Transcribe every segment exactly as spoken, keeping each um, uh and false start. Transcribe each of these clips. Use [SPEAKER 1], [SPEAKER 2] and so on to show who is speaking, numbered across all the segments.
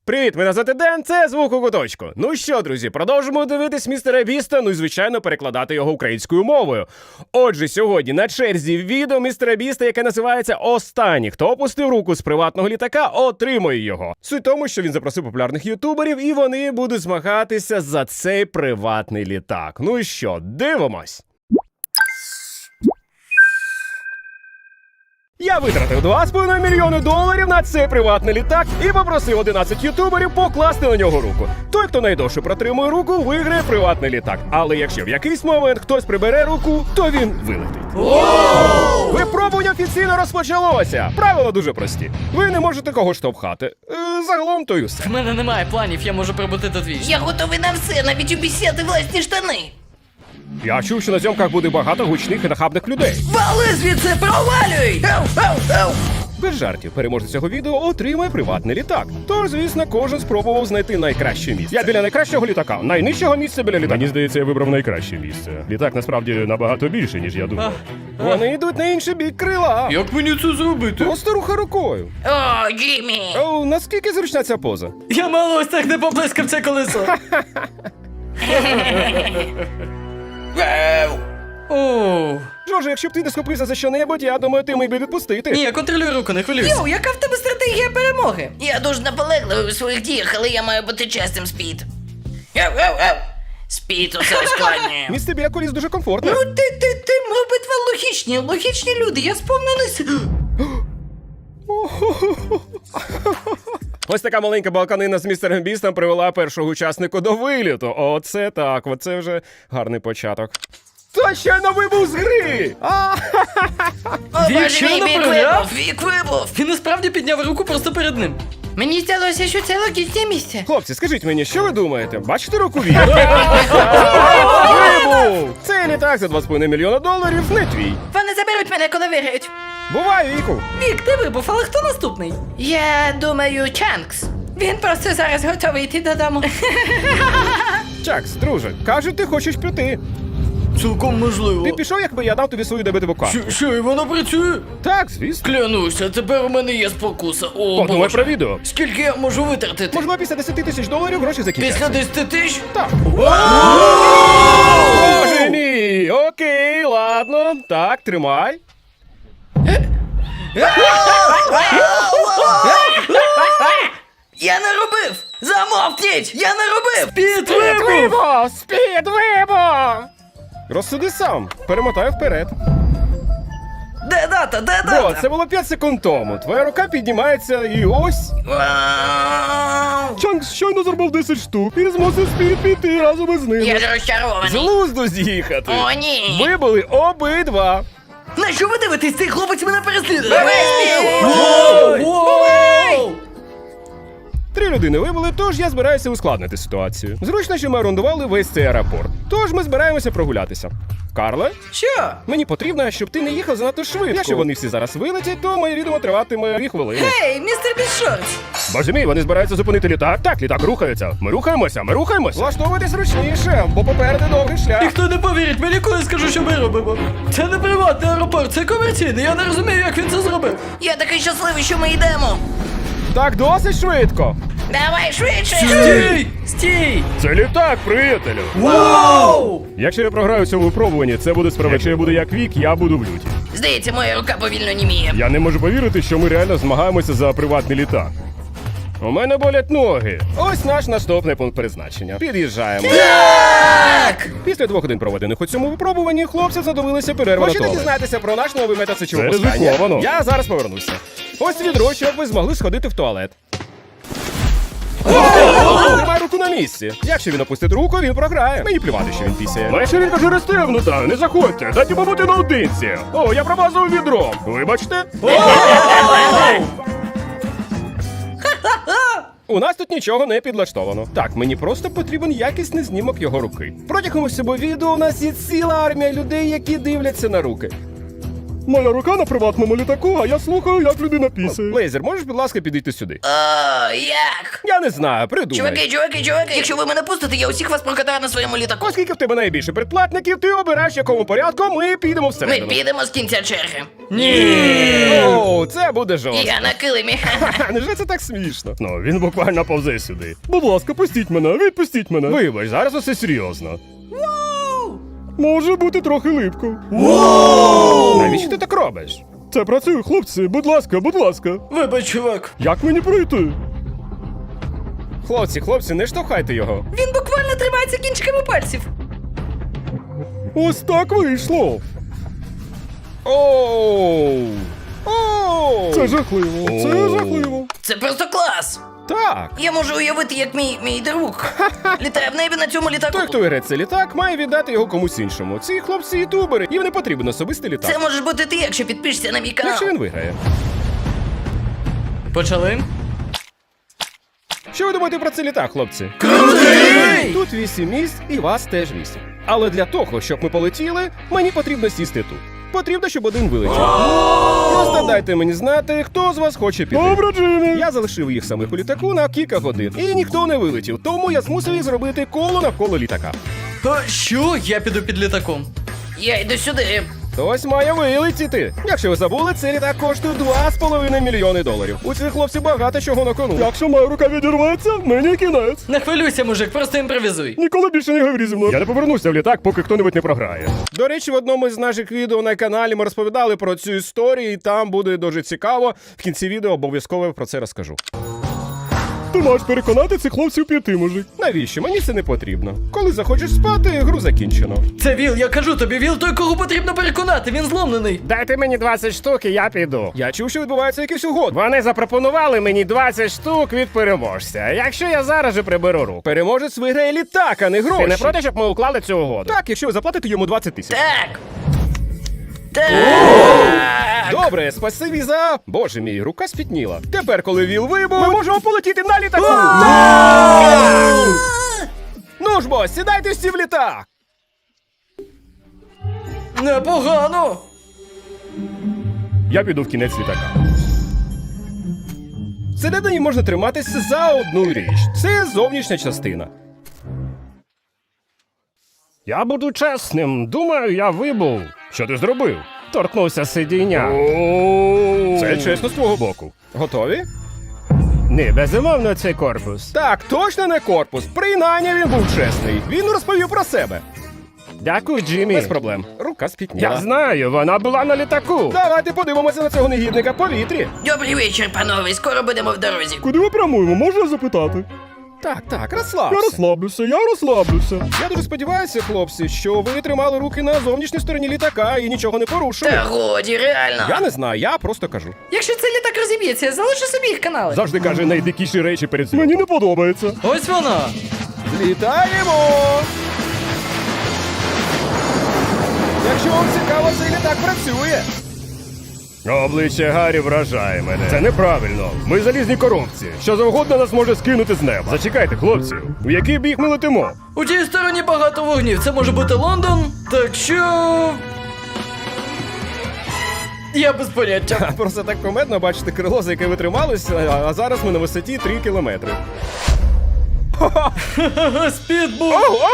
[SPEAKER 1] Привіт, мене звати Ден, це Звук у куточку. Ну що, друзі, продовжимо дивитись містера Біста, ну і, звичайно, перекладати його українською мовою. Отже, сьогодні на черзі відео містера Біста, яке називається «Останній, хто опустив руку з приватного літака, отримує його». Суть в тому, що він запросив популярних ютуберів, і вони будуть змагатися за цей приватний літак. Ну і що, дивимось! Я витратив два з половиною мільйони доларів на цей приватний літак і попросив одинадцять ютуберів покласти на нього руку. Той, хто найдовше протримує руку, виграє приватний літак. Але якщо в якийсь момент хтось прибере руку, то він вилетить. Випробування офіційно розпочалося. Правила дуже прості. Ви не можете когось штовхати. Е, загалом то й усе.
[SPEAKER 2] В мене немає планів, я можу пробудити двічі.
[SPEAKER 3] Я готовий на все, навіть обіцяти власні штани.
[SPEAKER 1] Я чув, що на зйомках буде багато гучних і нахабних людей.
[SPEAKER 3] Вали звідси, провалюй! Ау, ау, ау.
[SPEAKER 1] Без жартів, переможець цього відео отримає приватний літак. Тож, звісно, кожен спробував знайти найкраще місце. Я біля найкращого літака, найнижчого місця біля літака. Мені здається, я вибрав найкраще місце. Літак насправді набагато більше, ніж я думав. Вони йдуть на інший бік крила.
[SPEAKER 2] Як мені це зробити?
[SPEAKER 1] Просто рухай рукою.
[SPEAKER 3] О, Джиммі!
[SPEAKER 1] О, наскільки зручна ця поза?
[SPEAKER 2] Я мало ось так не поплескав це колесо. Оу.
[SPEAKER 1] Жорже, якщо б ти не схопився за що-небудь, я думаю, ти міг би відпустити.
[SPEAKER 2] Ні, я контролюю руку, не хвилюйся.
[SPEAKER 3] Йоу, яка в тебе стратегія перемоги? Я дуже наполегливий у своїх діях, але я маю бути чесним, Спід. Ау, ау, ау. Спід усе ускладнює.
[SPEAKER 1] Місце біля коліс дуже комфортне.
[SPEAKER 3] Ну ти, ти, ти, обидва логічні, логічні люди, я сповнений...
[SPEAKER 1] Ось така маленька балканина з містером Бістом привела першого учаснику до виліту. Оце так, оце вже гарний початок. Та ще не вибув з гри! А!
[SPEAKER 3] О,
[SPEAKER 2] Вік,
[SPEAKER 3] боже
[SPEAKER 2] що
[SPEAKER 3] мій,
[SPEAKER 2] не
[SPEAKER 3] вік
[SPEAKER 2] програв?
[SPEAKER 3] вибув, вік вибув.
[SPEAKER 2] Він насправді підняв руку просто перед ним.
[SPEAKER 3] Мені здалося, що це логічне місце.
[SPEAKER 1] Хлопці, скажіть мені, що ви думаєте? Бачите руку Віка? Вибув! Цей літак за два з половиною мільйона доларів не твій.
[SPEAKER 3] Вони заберуть мене, коли виграють.
[SPEAKER 1] Бувай, Віку!
[SPEAKER 2] Вік, ти вибув, але хто наступний?
[SPEAKER 3] Я думаю, Чанкс. Він просто зараз готовий йти додому.
[SPEAKER 1] Чакс, друже, кажуть, ти хочеш піти.
[SPEAKER 2] Цілком можливо.
[SPEAKER 1] Ти пішов, якби я дав тобі свою дебетову карту.
[SPEAKER 2] Що, що, і воно працює?
[SPEAKER 1] Так, звісно.
[SPEAKER 2] Клянуся, тепер у мене є спокуса. О,
[SPEAKER 1] Подумай
[SPEAKER 2] Боже.
[SPEAKER 1] про відео.
[SPEAKER 2] Скільки я можу витратити?
[SPEAKER 1] Можливо, після десяти тисяч доларів гроші закінчаться.
[SPEAKER 2] Після десяти тисяч?
[SPEAKER 1] Так. Боже мій! Окей, ладно. Так, тримай.
[SPEAKER 3] Я не робив! Замовкніть! Я не робив!
[SPEAKER 2] Під вибув!
[SPEAKER 1] Вибув! Спід вибув! Розсуди сам. Перемотаю вперед.
[SPEAKER 3] Де дата? Де
[SPEAKER 1] Бо,
[SPEAKER 3] дата?
[SPEAKER 1] це було п'ять секунд тому. Твоя рука піднімається і ось.
[SPEAKER 3] Вау!
[SPEAKER 1] Чанкс щойно зробив десять штук і змусив Спід піти разом із ним.
[SPEAKER 3] Я розчарований.
[SPEAKER 1] З глузду з'їхати.
[SPEAKER 3] О, ні!
[SPEAKER 1] Ви були обидва.
[SPEAKER 3] На що ви дивитесь? Цей хлопець мене переслідує!
[SPEAKER 2] Воу! Воу!
[SPEAKER 1] Три людини вибули, тож я збираюся ускладнити ситуацію. Зручно, що ми орендували весь цей аеропорт. Тож ми збираємося прогулятися. Карле,
[SPEAKER 3] Що?
[SPEAKER 1] мені потрібно, щоб ти не їхав занадто швидко. Якщо вони всі зараз вилетять, то моє відео триватиме дві хвилини.
[SPEAKER 3] Ей, містер Бішортс!
[SPEAKER 1] Боже мій, вони збираються зупинити літак. Так, літак рухається. Ми рухаємося, ми рухаємося. Влаштовуйтесь ручніше, бо попереду довгий шлях.
[SPEAKER 2] Ніхто не повірить мені, коли скажу, що ми робимо. Це не приватний аеропорт, це комерційний. Я не розумію, як він це зробив.
[SPEAKER 3] Я такий щасливий, що ми йдемо!
[SPEAKER 1] Так досить швидко.
[SPEAKER 3] Давай швидше!
[SPEAKER 2] Стій! Стій!
[SPEAKER 1] Це літак, приятелю.
[SPEAKER 2] Воу!
[SPEAKER 1] Якщо я програю в цьому випробуванні, це буде справедливо. Якщо я буду як Вік, я буду в люті.
[SPEAKER 3] Здається, моя рука повільно німіє.
[SPEAKER 1] Я не можу повірити, що ми реально змагаємося за приватний літак. У мене болять ноги. Ось наш наступний пункт призначення. Під'їжджаємо.
[SPEAKER 3] Так!
[SPEAKER 1] Після двох годин проведених у цьому випробуванні, хлопці задовилися перерву на
[SPEAKER 3] Хочете
[SPEAKER 1] туалет.
[SPEAKER 3] дізнатися
[SPEAKER 1] про наш новий метод сечового
[SPEAKER 3] Це
[SPEAKER 1] пускання?
[SPEAKER 3] ризиковано.
[SPEAKER 1] Я зараз повернуся. Ось відро, щоб ви змогли сходити в туалет. Тримай руку на місці. Якщо він опустить руку, він програє. Мені плювати, що він пісяє. Моя ширинка вже розтягнута, не заходьте, дайте побути наодинці. О, я промазав відро. Вибачте. У нас тут нічого не підлаштовано. Так, мені просто потрібен якісний знімок його руки. Протягом усього відео у нас є ціла армія людей, які дивляться на руки.
[SPEAKER 4] Моя рука на приватному літаку, а я слухаю, як людина пісає.
[SPEAKER 1] Лейзер, можеш, будь ласка, підійти сюди?
[SPEAKER 3] О, як?
[SPEAKER 1] Я не знаю, придумай.
[SPEAKER 3] Чуваки, чуваки, чуваки, якщо ви мене пустите, я усіх вас прокатаю на своєму літаку.
[SPEAKER 1] Оскільки в тебе найбільше предплатників, ти обираєш, в якому порядку ми підемо
[SPEAKER 3] Ми
[SPEAKER 1] всередину.
[SPEAKER 3] підемо з кінця черги.
[SPEAKER 2] Ні.
[SPEAKER 1] Оу, це буде жорстко.
[SPEAKER 3] Я на килимі.
[SPEAKER 1] Ха, невже це так смішно?
[SPEAKER 4] Ну, він буквально повзе сюди. Будь ласка, пустіть мене, відпустіть мене.
[SPEAKER 1] Вибач, зараз усе серйозно.
[SPEAKER 4] Може бути трохи липко.
[SPEAKER 1] Навіщо ти так робиш?
[SPEAKER 4] Це працює, хлопці, будь ласка, будь ласка.
[SPEAKER 2] Вибач, чувак.
[SPEAKER 4] Як мені пройти?
[SPEAKER 1] Хлопці, хлопці, не штовхайте його.
[SPEAKER 3] Він буквально тримається кінчиками пальців.
[SPEAKER 4] Ось так вийшло.
[SPEAKER 1] Оу! Оу!
[SPEAKER 4] Це жахливо, це
[SPEAKER 1] О.
[SPEAKER 4] жахливо.
[SPEAKER 3] Це просто клас.
[SPEAKER 1] Так.
[SPEAKER 3] Я можу уявити, як мій, мій друг літає в небі на цьому літаку.
[SPEAKER 1] Той, хто виграє цей літак, має віддати його комусь іншому. Ці хлопці ютубери, їм не потрібен особистий літак.
[SPEAKER 3] Це можеш бути ти, якщо підпишешся на мій канал.
[SPEAKER 1] Якщо він виграє.
[SPEAKER 2] Почали?
[SPEAKER 1] Що ви думаєте про цей літак, хлопці?
[SPEAKER 2] Крутий!
[SPEAKER 1] Тут вісім місць і вас теж вісім. Але для того, щоб ми полетіли, мені потрібно сісти тут. Потрібно, щоб один вилетів. Просто дайте мені знати, хто з вас хоче піти.
[SPEAKER 4] Добре, Джиммі.
[SPEAKER 1] Я залишив їх самих у літаку на кілька годин, і ніхто не вилетів, тому я змусив їх зробити коло навколо літака.
[SPEAKER 2] А що? Я піду під літаком.
[SPEAKER 3] Я йду сюди.
[SPEAKER 1] Хтось має вилетіти. Якщо ви забули, цей літак коштує два з половиною мільйони доларів. У цих хлопців багато чого на кону.
[SPEAKER 4] Якщо моя рука відірветься, мені кінець.
[SPEAKER 2] Не хвилюйся, мужик, просто імпровізуй.
[SPEAKER 4] Ніколи більше не говори зі мною. Я не повернуся в літак, поки хто-небудь не програє.
[SPEAKER 1] До речі, в одному з наших відео на каналі ми розповідали про цю історію, і там буде дуже цікаво. В кінці відео обов'язково про це розкажу.
[SPEAKER 4] Ти маєш переконати цих хлопців піти, мужик.
[SPEAKER 1] Навіщо? Мені це не потрібно. Коли захочеш спати, гру закінчено.
[SPEAKER 2] Це Віл, я кажу тобі, Віл той, кого потрібно переконати, він зломлений.
[SPEAKER 1] Дайте мені двадцять штук, і я піду. Я чув, що відбувається якийсь угод. Вони запропонували мені двадцять штук від переможця. Якщо я зараз же приберу руку. Переможець виграє літак, а не гроші. Ти не проти, щоб ми уклали цю угоду? Так, якщо ви заплатите йому двадцять тисяч.
[SPEAKER 3] Так. Так.
[SPEAKER 1] Добре, спасибі за... Боже мій, рука спітніла. Тепер, коли віл вибув, ми можемо полетіти на літаку. Ну ж бо, сідайте всі в літак.
[SPEAKER 2] Непогано.
[SPEAKER 1] Я піду в кінець літака. Всередині можна триматися за одну річ. Це зовнішня частина. Я буду чесним. Думаю, я вибув. Що ти зробив? Торкнувся сидіння. Це чесно з твого боку. Готові? Ні, безумовно, це корпус. Так, точно не корпус. Принаймні він був чесний. Він розповів про себе. Дякую, Джиммі. Без проблем. Рука спітніла. Я знаю, вона була на літаку. Давайте подивимося на цього негідника в повітрі.
[SPEAKER 3] Добрий вечір, панове. Скоро будемо в дорозі.
[SPEAKER 4] Куди ми прямуємо, можна запитати?
[SPEAKER 1] Так, так,
[SPEAKER 4] Я
[SPEAKER 1] розслабся.
[SPEAKER 4] розслаблюся, я розслаблюся.
[SPEAKER 1] Я дуже сподіваюся, хлопці, що ви тримали руки на зовнішній стороні літака і нічого не порушили.
[SPEAKER 3] Та годі, реально.
[SPEAKER 1] Я не знаю, я просто кажу.
[SPEAKER 3] Якщо цей літак розіб'ється, залиши собі їх канали.
[SPEAKER 1] Завжди каже найдикіші речі перед зйомкою.
[SPEAKER 4] Мені не подобається.
[SPEAKER 2] Ось вона.
[SPEAKER 1] Літаємо! Якщо вам цікаво, цей літак працює. Обличчя Гаррі вражає мене. Це неправильно. Ми залізні коробці. Що завгодно нас може скинути з неба. Зачекайте, хлопці. У який бік ми летимо?
[SPEAKER 2] У тій стороні багато вогнів. Це може бути Лондон. Так що. Я без поняття.
[SPEAKER 1] Просто так комедно бачити крило, за яке ви трималися, а зараз ми на висоті три кілометри.
[SPEAKER 2] Спідбул.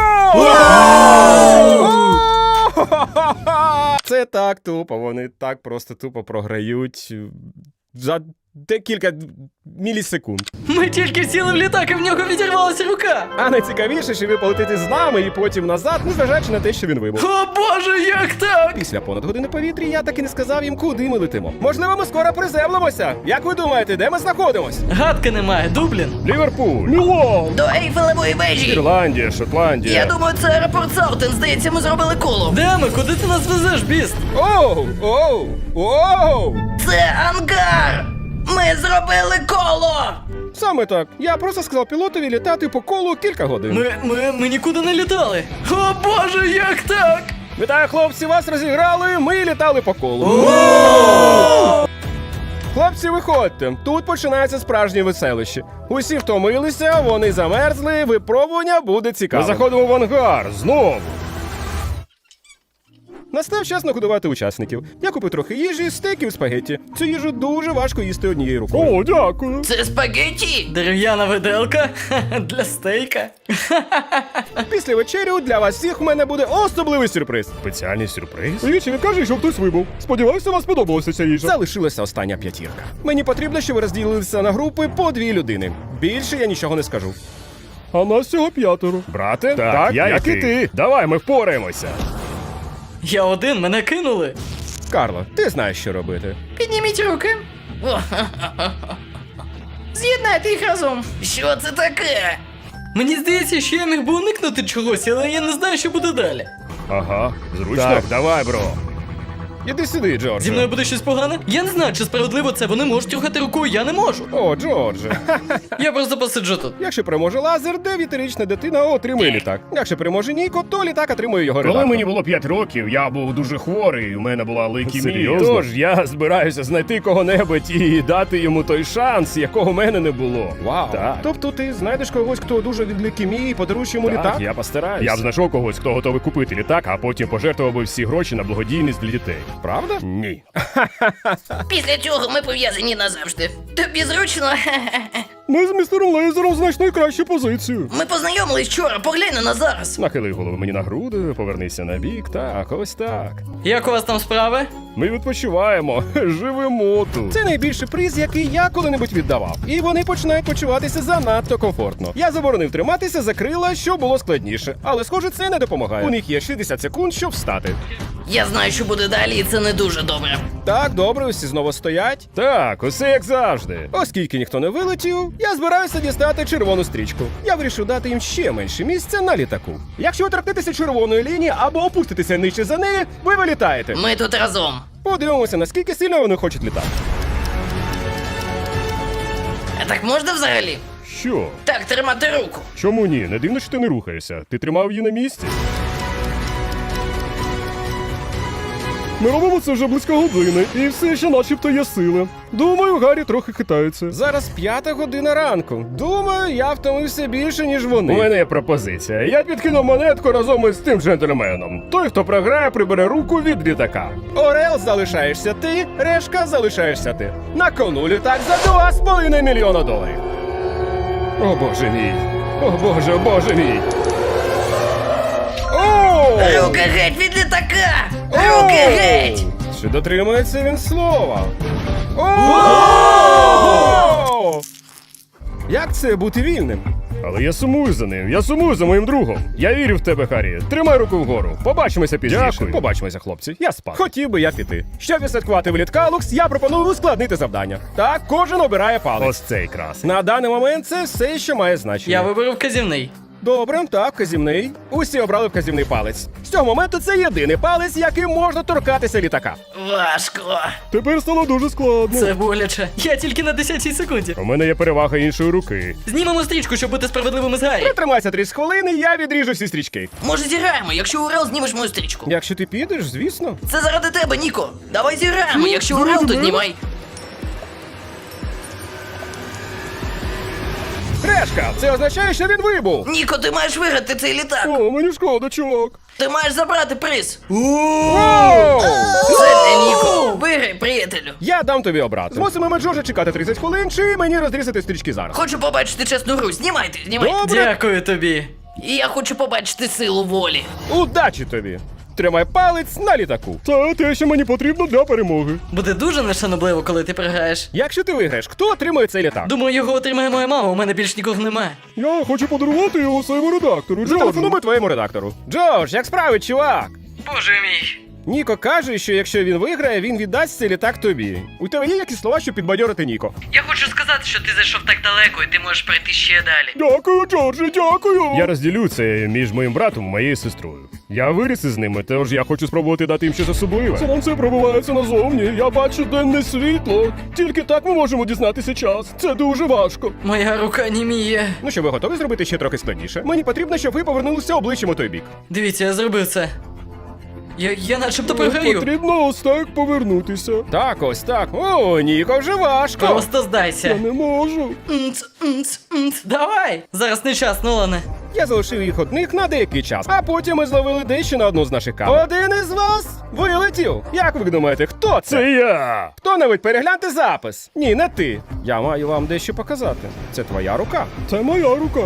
[SPEAKER 1] Це так тупо, вони так просто тупо програють за декілька мілісекунд.
[SPEAKER 2] Ми тільки сіли в літак, і в нього відірвалася рука.
[SPEAKER 1] А найцікавіше, що ви полетите з нами і потім назад, незважаючи на те, що він вибув.
[SPEAKER 2] О боже, як так?
[SPEAKER 1] Після понад години повітря я так і не сказав їм, куди ми летимо. Можливо, ми скоро приземлимося. Як ви думаєте, де ми знаходимось?
[SPEAKER 2] Гадки немає, Дублін.
[SPEAKER 1] Ліверпуль,
[SPEAKER 4] Мілан!
[SPEAKER 3] До Ейфелевої вежі.
[SPEAKER 1] Ірландія, Шотландія.
[SPEAKER 3] Я думаю, це аеропорт Саутен. Здається, ми зробили коло.
[SPEAKER 2] Де ми? Куди ти нас везеш, біст?
[SPEAKER 1] Оу! Оу! Оу!
[SPEAKER 3] Це ангар. Ми зробили коло.
[SPEAKER 1] Саме так. Я просто сказав пілотові літати по колу кілька годин.
[SPEAKER 2] Ми, ми, ми нікуди не літали. О боже, як так?
[SPEAKER 1] Вітаю, хлопці, вас розіграли, ми літали по колу. Хлопці, виходьте. Тут починається справжнє веселище. Усі втомилися, вони замерзли, випробування буде цікаве. Ми заходимо в ангар, знову. Настав час нагодувати учасників. Я купив трохи їжі, стейків, спагетті. Цю їжу дуже важко їсти однією рукою.
[SPEAKER 4] О, дякую.
[SPEAKER 3] Це спагетті?
[SPEAKER 2] Дерев'яна виделка для стейка.
[SPEAKER 1] Після вечерю для вас всіх у мене буде особливий сюрприз.
[SPEAKER 4] Спеціальний сюрприз? Вічі, не кажи, що хтось вибув. Сподіваюся, вам сподобалася ця їжа.
[SPEAKER 1] Залишилася остання п'ятірка. Мені потрібно, щоб ви розділилися на групи по дві людини. Більше я нічого не скажу.
[SPEAKER 4] А нас всього п'ятеро.
[SPEAKER 1] Брате?
[SPEAKER 4] Так, я як і ти. Давай, ми впораємося.
[SPEAKER 2] Я один, мене кинули.
[SPEAKER 1] Карло, ти знаєш, що робити.
[SPEAKER 3] Підніміть руки. О, з'єднайте їх разом. Що це таке?
[SPEAKER 2] Мені здається, що я міг би уникнути чогось, але я не знаю, що буде далі.
[SPEAKER 4] Ага, зручно.
[SPEAKER 1] Так.
[SPEAKER 4] Давай, бро.
[SPEAKER 1] Іди сюди, Джордже.
[SPEAKER 2] Зі мною буде щось погане? Я не знаю, чи справедливо це. Вони можуть рухати рукою, я не можу.
[SPEAKER 1] О, Джордже.
[SPEAKER 2] Я просто посиджу тут.
[SPEAKER 1] Якщо переможе лазер, дев'ятирічна дитина отримує літак. Якщо переможе Ніко, то літак отримує його
[SPEAKER 4] Коли
[SPEAKER 1] редактор.
[SPEAKER 4] мені було п'ять років, я був дуже хворий, у мене була лейкемія.
[SPEAKER 1] Серйозно?
[SPEAKER 4] Тож я збираюся знайти кого-небудь і дати йому той шанс, якого в мене не було.
[SPEAKER 1] Вау.
[SPEAKER 4] Так.
[SPEAKER 1] Тобто ти знайдеш когось, хто дуже від лейкемії, і подаруєш йому
[SPEAKER 4] Так,
[SPEAKER 1] літак?
[SPEAKER 4] я постараюся. Я б знайшов когось, хто готовий купити літак, а потім пожертвував би всі гроші на благодійність для дітей.
[SPEAKER 1] Правда?
[SPEAKER 4] Ні.
[SPEAKER 3] Після цього ми пов'язані назавжди. Тобі зручно?
[SPEAKER 4] Ми з містером Лейзером знайшли кращу позицію.
[SPEAKER 3] Ми познайомились вчора, поглянь на зараз.
[SPEAKER 4] Нахили голову мені на груди, повернися на бік, так, ось так.
[SPEAKER 2] Як у вас там справи?
[SPEAKER 4] Ми відпочиваємо, живемо тут.
[SPEAKER 1] Це найбільший приз, який я коли-небудь віддавав. І вони починають почуватися занадто комфортно. Я заборонив триматися за крила, що було складніше. Але, схоже, це не допомагає. У них є шістдесят секунд, щоб встати.
[SPEAKER 3] Я знаю, що буде далі, і це не дуже добре.
[SPEAKER 1] Так, добре, усі знову стоять.
[SPEAKER 4] Так, усе як завжди.
[SPEAKER 1] Оскільки ніхто не вилетів, я збираюся дістати червону стрічку. Я вирішив дати їм ще менше місця на літаку. Якщо ви торкнетеся червоної лінії або опуститеся нижче за неї, ви вилітаєте.
[SPEAKER 3] Ми тут разом.
[SPEAKER 1] Подивимося, наскільки сильно вони хочуть літати.
[SPEAKER 3] А так можна взагалі?
[SPEAKER 4] Що?
[SPEAKER 3] Так, тримати руку.
[SPEAKER 4] Чому ні? Не дивно, що ти не рухаєшся. Ти тримав її на місці. Ми робимо це вже близько години, і все ще начебто є сили. Думаю, Гаррі трохи хитається.
[SPEAKER 1] Зараз п'ята година ранку. Думаю, я втомився більше, ніж вони.
[SPEAKER 4] У мене є пропозиція. Я підкину монетку разом із тим джентльменом. Той, хто програє, прибере руку від літака.
[SPEAKER 1] Орел залишаєшся ти, решка залишаєшся ти. На кону літак за два з половиною мільйона доларів.
[SPEAKER 4] О боже мій. О боже, о боже мій.
[SPEAKER 1] О!
[SPEAKER 3] Руки геть від літака! Руки геть!
[SPEAKER 1] Чи дотримується він слова? О! Як це бути вільним?
[SPEAKER 4] Але я сумую за ним, я сумую за моїм другом. Я вірю в тебе, Харрі. Тримай руку вгору. Побачимося пізніше.
[SPEAKER 1] Дякую. Побачимося, хлопці. Я спав. Хотів би я піти. Щоб відсвяткувати виліт Калукс, я пропоную ускладнити завдання. Так, кожен обирає палець.
[SPEAKER 4] Ось цей крас.
[SPEAKER 1] На даний момент це все, що має значення.
[SPEAKER 2] Я виберу вказівний.
[SPEAKER 1] Добре, так, вказівний. Усі обрали вказівний палець. З цього моменту це єдиний палець, яким можна торкатися літака.
[SPEAKER 3] Важко.
[SPEAKER 4] Тепер стало дуже складно.
[SPEAKER 2] Це боляче. Я тільки на десятій секунді.
[SPEAKER 4] У мене є перевага іншої руки.
[SPEAKER 2] Знімемо стрічку, щоб бути справедливими з Гаррі.
[SPEAKER 1] Притримайся тридцять хвилин, і я відріжу всі стрічки.
[SPEAKER 3] Може зіграємо, якщо Урал знімеш мою стрічку.
[SPEAKER 1] Якщо ти підеш, звісно.
[SPEAKER 3] Це заради тебе, Ніко. Давай зіграємо, якщо Урал, то знімай.
[SPEAKER 1] Решка, це означає, що він вибув.
[SPEAKER 3] Ніко, ти маєш виграти цей літак.
[SPEAKER 4] О, мені шкода, чувак.
[SPEAKER 3] Ти маєш забрати приз.
[SPEAKER 1] Оу!
[SPEAKER 3] Це для Ніко. Виграй, приятелю.
[SPEAKER 1] Я дам тобі обрати. Змусимо Джорджа чекати тридцять хвилин, чи мені розрізати стрічки зараз.
[SPEAKER 3] Хочу побачити чесну гру. Знімайте, знімайте.
[SPEAKER 1] Добре.
[SPEAKER 2] Дякую тобі.
[SPEAKER 3] І я хочу побачити силу волі.
[SPEAKER 1] Удачі тобі! Тримай палець на літаку.
[SPEAKER 4] Це те, що мені потрібно для перемоги.
[SPEAKER 2] Буде дуже нешанобливо, коли ти програєш.
[SPEAKER 1] Якщо ти виграєш, хто отримує цей літак?
[SPEAKER 2] Думаю, його отримає моя мама, у мене більш нікого немає.
[SPEAKER 4] Я хочу подарувати його своєму редактору, Джорджу.
[SPEAKER 1] Зателефонуй твоєму редактору. Джордж, як справи, чувак?
[SPEAKER 2] Боже мій.
[SPEAKER 1] Ніко каже, що якщо він виграє, він віддасть цей літак тобі. У тебе є якісь слова, щоб підбадьорити Ніко?
[SPEAKER 2] Я хочу сказати, що ти зайшов так далеко, і ти можеш пройти ще далі.
[SPEAKER 4] Дякую, Джордже, дякую. Я розділю це між моїм братом і моєю сестрою. Я виріс із ними, тож я хочу спробувати дати їм щось особливе. Сонце пробивається назовні, я бачу денне світло. Тільки так ми можемо дізнатися час. Це дуже важко.
[SPEAKER 2] Моя рука німіє.
[SPEAKER 1] Ну що, ви готові зробити ще трохи складніше? Мені потрібно, щоб ви повернулися обличчям у той бік.
[SPEAKER 2] Дивіться, я зробив це. Я, я начебто програю.
[SPEAKER 4] Потрібно ось так повернутися.
[SPEAKER 1] Так, ось так. О, Ніко, вже важко.
[SPEAKER 2] Просто
[SPEAKER 4] Я
[SPEAKER 2] здайся.
[SPEAKER 4] не можу.
[SPEAKER 2] Мц, мц, мц. Давай! Зараз не час, Нолане.
[SPEAKER 1] Я залишив їх одних на деякий час, а потім ми зловили дещо на одну з наших камер. Один із вас вилетів. Як ви думаєте, хто це?
[SPEAKER 4] Це я.
[SPEAKER 1] Хто-небудь перегляньте запис. Ні, не ти. Я маю вам дещо показати. Це твоя рука.
[SPEAKER 4] Це моя рука.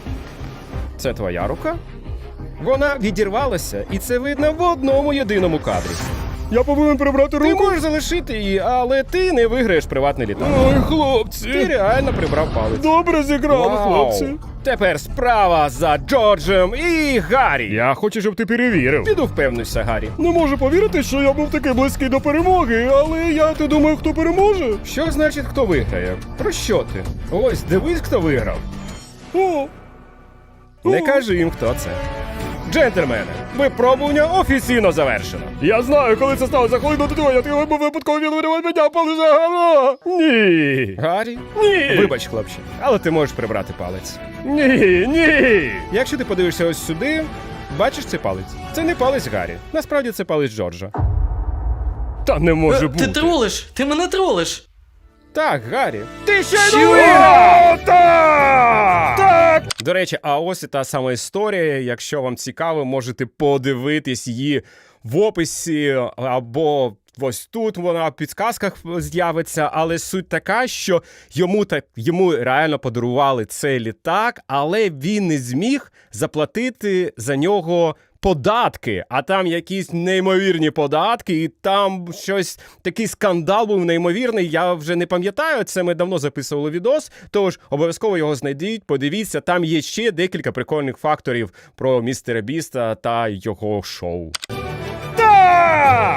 [SPEAKER 1] Це твоя рука? Вона відірвалася, і це видно в одному єдиному кадрі.
[SPEAKER 4] Я повинен прибрати
[SPEAKER 1] Ти
[SPEAKER 4] руку.
[SPEAKER 1] можеш залишити її, але ти не виграєш приватний літак.
[SPEAKER 4] Ой,
[SPEAKER 1] Ти
[SPEAKER 4] хлопці.
[SPEAKER 1] реально прибрав палець.
[SPEAKER 4] Добре зіграли,
[SPEAKER 1] Вау.
[SPEAKER 4] хлопці.
[SPEAKER 1] Тепер справа за Джорджем і Гаррі.
[SPEAKER 4] Я хочу, щоб ти перевірив.
[SPEAKER 1] Піду впевнюся, Гаррі.
[SPEAKER 4] Не можу повірити, що я був такий близький до перемоги, але я ти думаю, хто переможе?
[SPEAKER 1] Що значить, хто виграє? Про що ти? Ось, дивись, хто виграв.
[SPEAKER 4] О,
[SPEAKER 1] Не кажи їм, хто це. Джентльмени, випробування офіційно завершено.
[SPEAKER 4] я знаю, коли це сталося, коли до того, я тебе був випадково відвідував мене, палець загано. Ні.
[SPEAKER 1] Гаррі?
[SPEAKER 4] Ні.
[SPEAKER 1] Вибач, хлопче, але ти можеш прибрати палець.
[SPEAKER 4] Ні, ні.
[SPEAKER 1] Якщо ти подивишся ось сюди, бачиш цей палець? Це не палець Гаррі. Насправді це палець Джорджа.
[SPEAKER 4] Та не може
[SPEAKER 2] Е,
[SPEAKER 4] бути.
[SPEAKER 2] Ти тролиш, ти мене тролиш.
[SPEAKER 1] Так, Гаррі. Ти ще
[SPEAKER 4] Що?
[SPEAKER 1] не виграв!
[SPEAKER 4] Так! Так!
[SPEAKER 1] До речі, а ось і та сама історія. Якщо вам цікаво, можете подивитись її в описі або ось тут вона в підсказках з'явиться. Але суть така, що йому так йому реально подарували цей літак, але він не зміг заплатити за нього податки, а там якісь неймовірні податки, і там щось, такий скандал був неймовірний, я вже не пам'ятаю, це ми давно записували відос, тож обов'язково його знайдіть, подивіться, там є ще декілька прикольних факторів про містера Біста та його шоу.
[SPEAKER 4] Так!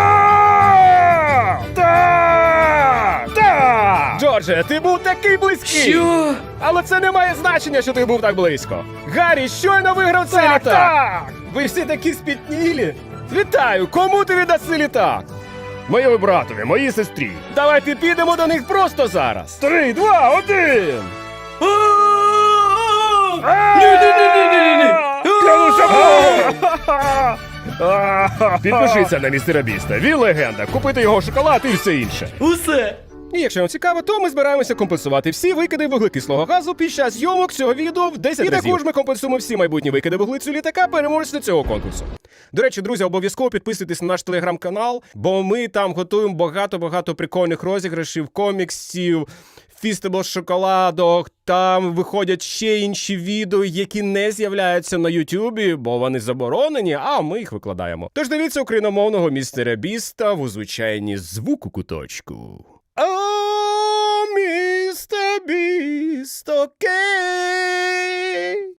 [SPEAKER 4] А! Так! Так!
[SPEAKER 1] Джордже, ти був такий близький!
[SPEAKER 2] Що?
[SPEAKER 1] Але це не має значення, що ти був так близько. Гаррі щойно виграв цей
[SPEAKER 4] Так,
[SPEAKER 1] літак!
[SPEAKER 4] так!
[SPEAKER 1] Ви всі такі спітнілі! Вітаю! Кому ти віддаси літак?
[SPEAKER 4] Моєму братові, моїй сестрі.
[SPEAKER 1] Давайте підемо до них просто зараз!
[SPEAKER 4] Три, два, один!
[SPEAKER 2] Ні-ні-ні-ні-ні-ні!
[SPEAKER 4] Підпишіться на містера Біста. Він легенда. Купити його шоколад і все інше.
[SPEAKER 2] Усе!
[SPEAKER 1] І якщо вам цікаво, то ми збираємося компенсувати всі викиди вуглекислого газу під час зйомок цього відео в десять
[SPEAKER 4] І
[SPEAKER 1] разів. І
[SPEAKER 4] також
[SPEAKER 1] також ми компенсуємо всі майбутні викиди вуглецю літака переможця цього конкурсу. До речі, друзі, обов'язково підписуйтесь на наш телеграм-канал, бо ми там готуємо багато-багато прикольних розіграшів, коміксів, фістебло з шоколадок, там виходять ще інші відео, які не з'являються на Ютубі, бо вони заборонені, а ми їх викладаємо. Тож дивіться україномовного містера Біста в звичайній звуку куточку. О, містер Біст, окей.